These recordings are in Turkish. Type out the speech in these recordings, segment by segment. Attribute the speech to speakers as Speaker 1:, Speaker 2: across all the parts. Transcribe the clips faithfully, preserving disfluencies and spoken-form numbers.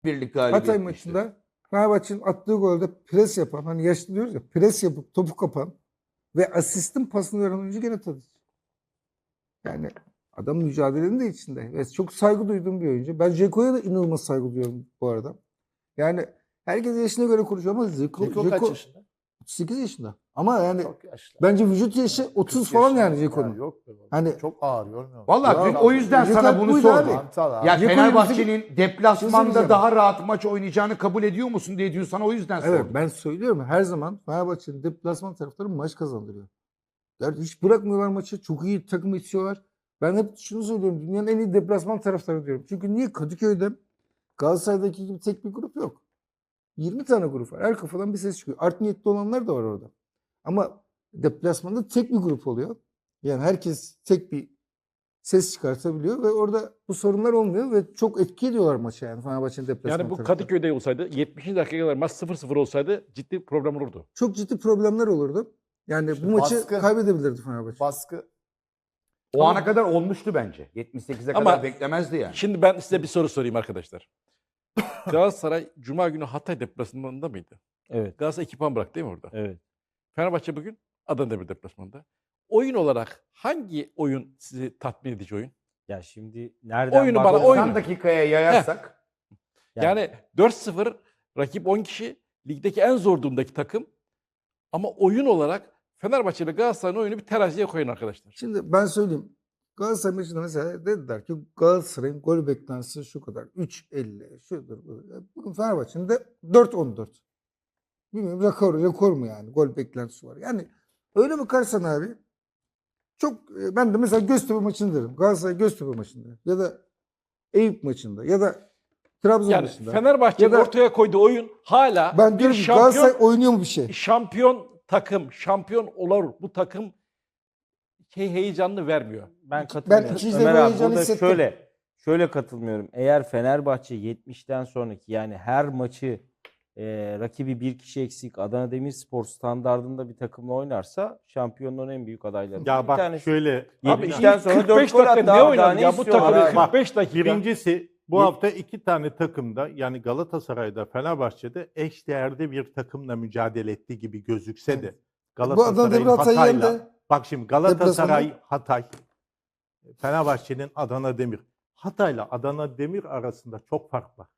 Speaker 1: birlik galibiyet.
Speaker 2: Hatay maçında Fenerbahçe'nin attığı golde pres yapan, hani yaşlı diyoruz ya, pres yapıp topu kapan ve asistin pasını veren oyuncu gene Tadiç. Yani adam mücadelenin de içinde. Ve çok saygı duyduğum bir oyuncu. Ben Dzeko'ya da inanılmaz saygı duyuyorum bu arada. Yani herkes yaşına göre konuşuyor ama Dzeko,
Speaker 3: Dzeko kaç yaşında?
Speaker 2: otuz sekiz yaşında. Ama yani
Speaker 3: Çok yaşlı.
Speaker 2: bence vücut yaşı otuz falan yani Dzeko'nun.
Speaker 3: Yok be baba.
Speaker 2: Hani
Speaker 3: çok ağır görmüyor musun?
Speaker 1: Vallahi dün
Speaker 2: Ya,
Speaker 1: o yüzden
Speaker 2: Dzeko
Speaker 1: sana bunu
Speaker 2: buydu
Speaker 1: sordum.
Speaker 2: abi.
Speaker 3: Mantal abi.
Speaker 1: Ya
Speaker 2: Dzeko'yu
Speaker 1: Fenerbahçe'nin
Speaker 2: Şey
Speaker 1: deplasmanda
Speaker 2: söyleyeceğim.
Speaker 1: daha rahat maç oynayacağını kabul ediyor musun diye dün sana o yüzden
Speaker 2: evet,
Speaker 1: sordum.
Speaker 2: ben söylüyorum her zaman Fenerbahçe'nin deplasman taraftarı maç kazandırıyor. Yani hiç bırakmıyorlar maçı. Çok iyi takım yetişiyorlar. Ben hep şunu söylüyorum. Dünyanın en iyi deplasman taraftarı diyorum. Çünkü niye? Kadıköy'de Galatasaray'daki gibi tek bir grup yok. yirmi tane grup var. Her kafadan bir ses çıkıyor. Art niyetli olanlar da var orada. Ama deplasmanda tek bir grup oluyor. Yani herkes tek bir ses çıkartabiliyor ve orada bu sorunlar olmuyor ve çok etki ediyorlar maça yani Fenerbahçe'nin deplasman
Speaker 4: Yani bu
Speaker 2: taraftarı.
Speaker 4: Kadıköy'de olsaydı yetmişinci dakikaya kadar maç sıfır sıfır olsaydı ciddi problem olurdu.
Speaker 2: Çok ciddi problemler olurdu. Yani
Speaker 3: İşte
Speaker 2: bu maçı
Speaker 3: baskı-
Speaker 2: kaybedebilirdi Fenerbahçe.
Speaker 3: Baskı.
Speaker 1: O ana kadar olmuştu bence. yetmiş sekize
Speaker 4: Ama-
Speaker 1: kadar beklemezdi yani.
Speaker 4: Şimdi ben size bir soru sorayım arkadaşlar. Galatasaray Cuma günü Hatay deplasmanında mıydı?
Speaker 5: Evet.
Speaker 4: Galatasaray iki puan bıraktı değil mi orada?
Speaker 5: Evet.
Speaker 4: Fenerbahçe bugün Adana Demir deplasmanında. Oyun olarak hangi oyun sizi tatmin edici oyun?
Speaker 5: Ya şimdi nereden
Speaker 4: Oyunu bana-
Speaker 5: bakarsan-
Speaker 4: oyunu.
Speaker 1: doksan dakikaya yayarsak
Speaker 5: Yani-
Speaker 4: Yani dört sıfır rakip on kişi ligdeki en zor durumdaki takım. Ama oyun olarak Fenerbahçe ile Galatasaray'ın oyunu bir teraziye koyun arkadaşlar.
Speaker 2: Şimdi ben söyleyeyim. Galatasaray maçında mesela dediler ki Galatasaray'ın gol beklentisi şu kadar. üç elli şudur budur. Bugün Fenerbahçe'nin de dört on dört. Bilmiyorum rekor, rekor mu yani? Gol beklentisi var. Yani öyle bakarsan abi çok e, ben de mesela Göztepe maçını derim. Galatasaray Göztepe maçında ya da Eyüp maçında ya da Trabzon
Speaker 4: Yani
Speaker 2: maçında.
Speaker 4: Fenerbahçe'nin
Speaker 2: Ya da-
Speaker 4: ortaya koyduğu oyun hala
Speaker 2: Ben
Speaker 4: bir
Speaker 2: diyorum ki
Speaker 4: şampiyon,
Speaker 2: Galatasaray oynuyor mu bir şey?
Speaker 4: şampiyon takım, şampiyon olur. Bu takım şey heyecanını vermiyor.
Speaker 5: Ben katılmıyorum.
Speaker 2: ikinci
Speaker 5: Ömer
Speaker 2: devre
Speaker 5: abi
Speaker 2: heyecanı
Speaker 5: burada
Speaker 2: hissettim.
Speaker 5: şöyle şöyle katılmıyorum. Eğer Fenerbahçe yetmişten sonraki yani her maçı e, rakibi bir kişi eksik Adana Demirspor standardında bir takımla oynarsa şampiyonluğun en büyük adayları.
Speaker 6: Ya bak şöyle.
Speaker 4: Abi
Speaker 5: yetmişten
Speaker 4: ilk
Speaker 5: sonra
Speaker 4: kırk
Speaker 5: dört
Speaker 4: beş
Speaker 5: gol
Speaker 4: dakika
Speaker 5: attı
Speaker 4: ne
Speaker 5: abi,
Speaker 4: oynadı
Speaker 5: daha ne
Speaker 4: ya bu
Speaker 5: istiyorlar
Speaker 4: takım
Speaker 5: abi?
Speaker 4: kırk beş dakika.
Speaker 6: Birincisi bu
Speaker 5: Ye-
Speaker 6: hafta iki tane takımda yani Galatasaray'da Fenerbahçe'de eşdeğerde bir takımla mücadele ettiği gibi gözükse de
Speaker 2: Bu Adana
Speaker 6: Galatasaray'ın
Speaker 2: Demir Hatay'ı
Speaker 6: Hatay'la
Speaker 2: yendi.
Speaker 6: bak şimdi Galatasaray
Speaker 2: Deplasmanda.
Speaker 6: Hatay Fenerbahçe'nin Adana Demir Hatay'la Adana Demir arasında çok fark var.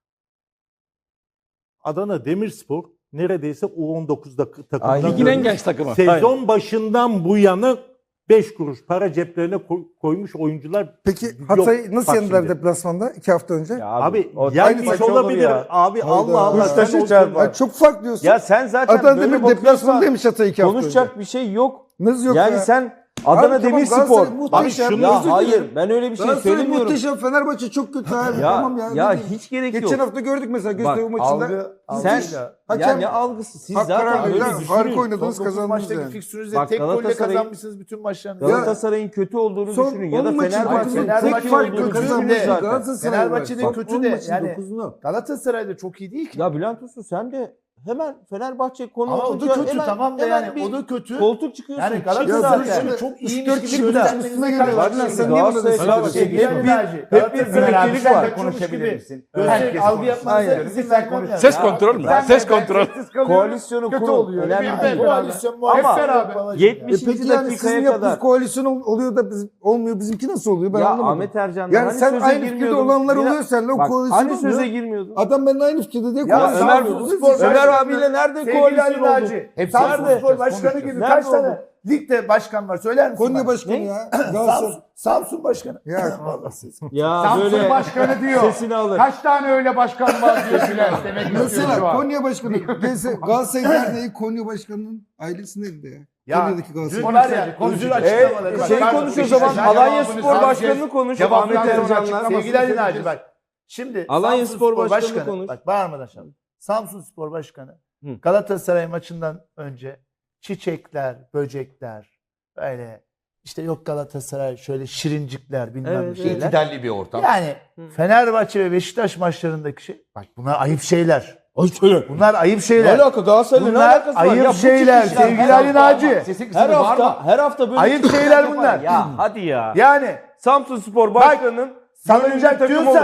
Speaker 6: Adana Demirspor neredeyse U on dokuzda takımdan
Speaker 5: Aynen.
Speaker 4: Ligin en genç takımı.
Speaker 6: sezon başından bu yana beş kuruş para ceplerine koy- koymuş oyuncular.
Speaker 2: Peki
Speaker 6: yok.
Speaker 2: Hatay'ı nasıl
Speaker 6: Bak
Speaker 2: yendiler
Speaker 6: şimdi.
Speaker 2: deplasmanda iki hafta önce?
Speaker 5: Ya
Speaker 6: Abi,
Speaker 5: o
Speaker 6: yenmiş
Speaker 5: aynı maç olur
Speaker 6: olabilir.
Speaker 5: ya.
Speaker 6: Abi
Speaker 2: Hayda.
Speaker 6: Allah Allah.
Speaker 5: Beşiktaş'a
Speaker 6: sen o-
Speaker 5: çarpar.
Speaker 2: Ay, çok fark diyorsun.
Speaker 5: Ya sen zaten
Speaker 2: Adana
Speaker 5: böyle
Speaker 2: Demir
Speaker 5: bakıyorsan
Speaker 2: deplasmandaymış Hatay iki hafta
Speaker 5: konuşacak
Speaker 2: önce.
Speaker 5: bir şey yok.
Speaker 2: Nasıl yok
Speaker 5: yani
Speaker 2: ya?
Speaker 5: sen Adana
Speaker 2: Abi tamam,
Speaker 5: Demirspor.
Speaker 2: Galatasaray muhteşem,
Speaker 6: şunu-
Speaker 5: Ya
Speaker 2: özür
Speaker 5: hayır
Speaker 2: dilerim.
Speaker 5: ben öyle bir şey
Speaker 2: Galatasaray
Speaker 5: söylemiyorum.
Speaker 2: muhteşem, Fenerbahçe çok kötü abi.
Speaker 5: Ya
Speaker 2: Tamam ya.
Speaker 5: ya
Speaker 2: ne diyeyim?
Speaker 5: hiç gerek
Speaker 2: Geçen
Speaker 5: yok.
Speaker 2: hafta gördük mesela Göztepe
Speaker 5: Bak,
Speaker 2: maçında.
Speaker 3: Algı,
Speaker 5: Sen
Speaker 3: algıyla.
Speaker 2: Hakem-
Speaker 5: ya ne algısı siz
Speaker 2: Hak
Speaker 5: zaten
Speaker 2: karar
Speaker 5: böyle
Speaker 2: veriyor.
Speaker 5: düşünün.
Speaker 2: Harika oynadınız,
Speaker 3: Son dokuz
Speaker 2: kazandınız
Speaker 3: maçtaki
Speaker 2: yani.
Speaker 3: fikstürünüzde
Speaker 5: Bak,
Speaker 3: tek golle
Speaker 5: Galatasaray'ın-
Speaker 3: kazanmışsınız bütün maçlarınızı.
Speaker 5: Galatasaray'ın kötü olduğunu
Speaker 2: Son
Speaker 5: düşünün ya
Speaker 2: on
Speaker 5: da
Speaker 2: maçın
Speaker 5: Fenerbahçe'nin
Speaker 2: dokuzunu
Speaker 3: Fenerbahçe
Speaker 5: tek iyi
Speaker 2: farklı
Speaker 5: olduğunu
Speaker 2: kazanmış
Speaker 5: düşünün zaten.
Speaker 2: Galatasaray
Speaker 3: Fenerbahçe'nin
Speaker 2: var.
Speaker 3: kötü
Speaker 2: on
Speaker 3: de
Speaker 2: maçın
Speaker 3: yani-
Speaker 2: dokuzunu.
Speaker 3: Galatasaray da çok iyi değil ki.
Speaker 5: Ya Bülent Usta sen de hemen Fenerbahçe konu
Speaker 3: Ama o da
Speaker 5: olunca
Speaker 3: kötü
Speaker 5: hemen-
Speaker 3: tamam da
Speaker 5: hemen
Speaker 3: yani
Speaker 5: bir
Speaker 3: o da kötü.
Speaker 5: koltuk çıkıyorsun.
Speaker 3: Yani
Speaker 5: Çık
Speaker 3: Galatasaray
Speaker 5: zaten.
Speaker 3: yani çok
Speaker 2: üç
Speaker 3: iyi
Speaker 2: dört kişi birden üstüne geliyorlar. Lan sen niye bunu
Speaker 5: Galatasaray
Speaker 2: diyorsun?
Speaker 5: Fenerbahçe-
Speaker 3: Sevgili
Speaker 5: hep bir-
Speaker 3: Naci,
Speaker 5: hep bir
Speaker 3: Galatasaray
Speaker 5: birliktelik
Speaker 3: sen
Speaker 5: var.
Speaker 3: de konuşabilir
Speaker 1: gibi.
Speaker 3: misin?
Speaker 1: Herkes
Speaker 3: Gösterip algı
Speaker 1: konuşsun.
Speaker 3: yapmanızı
Speaker 2: Hayır.
Speaker 3: izin
Speaker 1: Lütfen
Speaker 3: vermem
Speaker 1: konuş.
Speaker 3: yani.
Speaker 4: Ses
Speaker 3: Ya,
Speaker 4: kontrol mü?
Speaker 3: ben-
Speaker 4: Ses
Speaker 3: ben-
Speaker 4: kontrol.
Speaker 5: Koalisyonu
Speaker 2: Kötü
Speaker 5: kurun.
Speaker 2: oluyor.
Speaker 5: Önemli
Speaker 3: Ben
Speaker 5: değil.
Speaker 3: koalisyon
Speaker 5: Ama
Speaker 3: muhabbet beraber.
Speaker 5: yetmiş-
Speaker 2: E peki yani sizin
Speaker 5: dakikaya
Speaker 2: yaptığınız
Speaker 5: kadar.
Speaker 2: koalisyon ol- oluyor da bizim, olmuyor. Bizimki nasıl oluyor? Ben
Speaker 5: Ya
Speaker 2: anlamadım.
Speaker 5: Ahmet Ercan
Speaker 2: Yani
Speaker 5: hani
Speaker 2: sen
Speaker 5: söze
Speaker 2: aynı fikirde
Speaker 5: girmiyordun.
Speaker 2: olanlar
Speaker 5: Yine-
Speaker 2: oluyor seninle o
Speaker 5: Bak,
Speaker 2: koalisyon
Speaker 5: hani
Speaker 2: oluyor.
Speaker 5: söze girmiyordun.
Speaker 2: Adam benimle aynı fikirde diye
Speaker 3: Ya
Speaker 2: koalisyon
Speaker 5: Ömer,
Speaker 2: oluyor.
Speaker 3: Spor
Speaker 5: Ömer
Speaker 3: Başkanı-
Speaker 5: abiyle nerede
Speaker 3: Sevgili
Speaker 5: koalisyon
Speaker 3: Ali
Speaker 5: oldu?
Speaker 3: Naci,
Speaker 1: Hepsi
Speaker 3: Samsun
Speaker 1: nerede?
Speaker 3: Spor Başkanı
Speaker 1: Konuşacağız.
Speaker 3: gibi
Speaker 5: Nerede
Speaker 3: kaç tane
Speaker 5: oldu?
Speaker 3: ligde başkan var söyler misin?
Speaker 2: Konya
Speaker 3: bana?
Speaker 2: Başkanı
Speaker 5: Ne?
Speaker 2: ya. Galatasaray.
Speaker 3: Samsun, Samsun Başkanı.
Speaker 2: Ya
Speaker 3: Vallahi siz-
Speaker 5: Ya
Speaker 1: Samsun
Speaker 5: böyle
Speaker 1: başkanı diyor.
Speaker 5: sesini alır.
Speaker 1: Kaç tane öyle başkan var diyor Bülent. Demek istiyor şu
Speaker 2: mesela
Speaker 1: an.
Speaker 2: Konya Başkanı. Gelse Galatasaray nerede? Konya Başkanı'nın ailesinin elinde ya.
Speaker 3: Ya,
Speaker 2: Konya'daki Galatasaray.
Speaker 3: Dün var ya özür
Speaker 5: E,
Speaker 3: açıklamaları. Bak,
Speaker 5: şey
Speaker 3: pardon,
Speaker 5: konuş o
Speaker 3: Beşiktaş-
Speaker 5: zaman.
Speaker 1: Beşiktaş
Speaker 5: Alanya
Speaker 1: cevabını
Speaker 5: Spor
Speaker 1: sadece-
Speaker 5: Başkanı'nı konuş.
Speaker 1: cevaptan
Speaker 5: Ahmet
Speaker 1: sonra
Speaker 5: Ercan'la.
Speaker 1: açıklamasını
Speaker 3: Sevgili Ali
Speaker 1: söyleyeceğiz.
Speaker 3: Naci bak. Şimdi
Speaker 5: Alanya
Speaker 3: Samsun
Speaker 5: Spor Başkanı konuş.
Speaker 3: Bak bağırmadan şimdi. Samsun Spor Başkanı
Speaker 5: Hı.
Speaker 3: Galatasaray maçından önce çiçekler, böcekler böyle işte yok Galatasaray şöyle şirincikler bilmem
Speaker 5: Evet,
Speaker 3: bir şeyler.
Speaker 1: İtidalli bir ortam.
Speaker 3: Yani
Speaker 5: Hı.
Speaker 3: Fenerbahçe ve Beşiktaş maçlarındaki şey bak bunlar ayıp şeyler.
Speaker 5: Ay söyle.
Speaker 3: Bunlar ayıp
Speaker 5: Ne
Speaker 3: şeyler.
Speaker 5: alaka Galatasaray'la ne
Speaker 3: Bunlar
Speaker 5: alakası var?
Speaker 3: ayıp
Speaker 5: Ya bu
Speaker 3: şeyler
Speaker 5: tip işler
Speaker 3: sevgili
Speaker 5: her
Speaker 3: Ali
Speaker 5: hafta-
Speaker 3: Naci.
Speaker 1: Sesi kısmı
Speaker 5: Her
Speaker 1: var
Speaker 5: hafta,
Speaker 1: mı?
Speaker 5: her hafta böyle
Speaker 3: Ayıp
Speaker 5: tip işler
Speaker 3: şeyler
Speaker 5: yapar.
Speaker 3: bunlar.
Speaker 5: Ya hadi ya.
Speaker 3: Yani
Speaker 5: Samsun Spor Başkanı'nın
Speaker 3: salınacak
Speaker 5: takım
Speaker 3: diyorsan
Speaker 5: olur.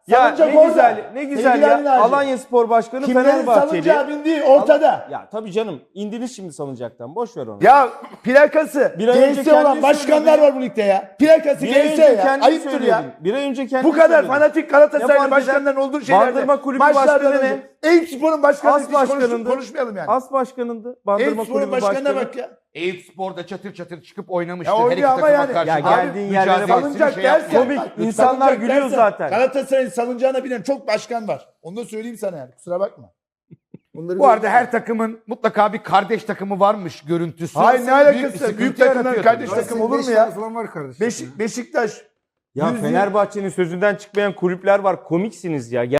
Speaker 5: Ya
Speaker 3: Salıncak
Speaker 5: ne
Speaker 3: orada.
Speaker 5: güzel, ne güzel
Speaker 3: Sevgili Ali
Speaker 5: ya.
Speaker 3: Naci.
Speaker 5: Alanya Spor Başkanı
Speaker 3: Kimlerin
Speaker 5: Fenerbahçeli.
Speaker 3: salıncağa bindiği ortada.
Speaker 5: Ya tabii canım, indiniz şimdi salıncaktan. Boş ver onu.
Speaker 3: Ya plakası
Speaker 5: Bir ay önce
Speaker 3: G S olan
Speaker 5: kendin
Speaker 3: başkanlar
Speaker 5: söyledin.
Speaker 3: var bu ligde ya. Plakası
Speaker 5: Bir ay
Speaker 3: G S
Speaker 5: önce
Speaker 3: ya.
Speaker 5: kendin
Speaker 3: Ayıptır
Speaker 5: söyledin.
Speaker 3: ya.
Speaker 5: Bir ay önce kendin
Speaker 3: Bu kadar
Speaker 5: söyledin.
Speaker 3: fanatik
Speaker 5: Ne
Speaker 3: Galatasaraylı
Speaker 5: fark
Speaker 3: başkanların olduğu şeylerde.
Speaker 5: Bandırma Kulübü
Speaker 3: maçlardan
Speaker 5: başkanı
Speaker 3: önce. Eyüpspor'un başkanı
Speaker 5: As
Speaker 3: hiç konuş-
Speaker 5: başkanındı.
Speaker 3: konuşmayalım yani.
Speaker 5: As başkanındı. Bandırma
Speaker 3: Eyüpspor'un
Speaker 5: Kulübü
Speaker 3: başkanına
Speaker 5: başkanı.
Speaker 3: bak ya.
Speaker 1: Eyüpspor'da çatır çatır çıkıp oynamıştı.
Speaker 3: Ya
Speaker 1: Her iki
Speaker 3: oynuyor ama
Speaker 1: takıma
Speaker 3: yani.
Speaker 1: karşı.
Speaker 5: Ya
Speaker 1: Abi,
Speaker 5: geldiğin yerlere bak.
Speaker 1: mücadelesini
Speaker 3: Salıncak
Speaker 1: şey
Speaker 3: dersen.
Speaker 1: yapmıyor.
Speaker 5: Komik.
Speaker 3: bak,
Speaker 5: İnsanlar
Speaker 3: salıncak
Speaker 5: gülüyor
Speaker 3: dersen,
Speaker 5: zaten.
Speaker 3: Galatasaray'ın salıncağına binen çok başkan var. Onu da söyleyeyim sana yani. Kusura bakma.
Speaker 2: Onları
Speaker 1: Bu arada her takımın mutlaka bir kardeş takımı varmış görüntüsü.
Speaker 3: Hayır, ne
Speaker 1: Büyük
Speaker 3: alakası
Speaker 1: bir
Speaker 3: var?
Speaker 1: sıkıntı
Speaker 3: Büyük takımların
Speaker 1: yaratıyor
Speaker 3: kardeş
Speaker 1: tabii.
Speaker 3: takım olur mu ya?
Speaker 2: Falan var kardeşim.
Speaker 3: Beşik, Beşiktaş.
Speaker 5: Ya
Speaker 3: Yüz-
Speaker 5: Fenerbahçe'nin sözünden çıkmayan kulüpler var. Komiksiniz ya.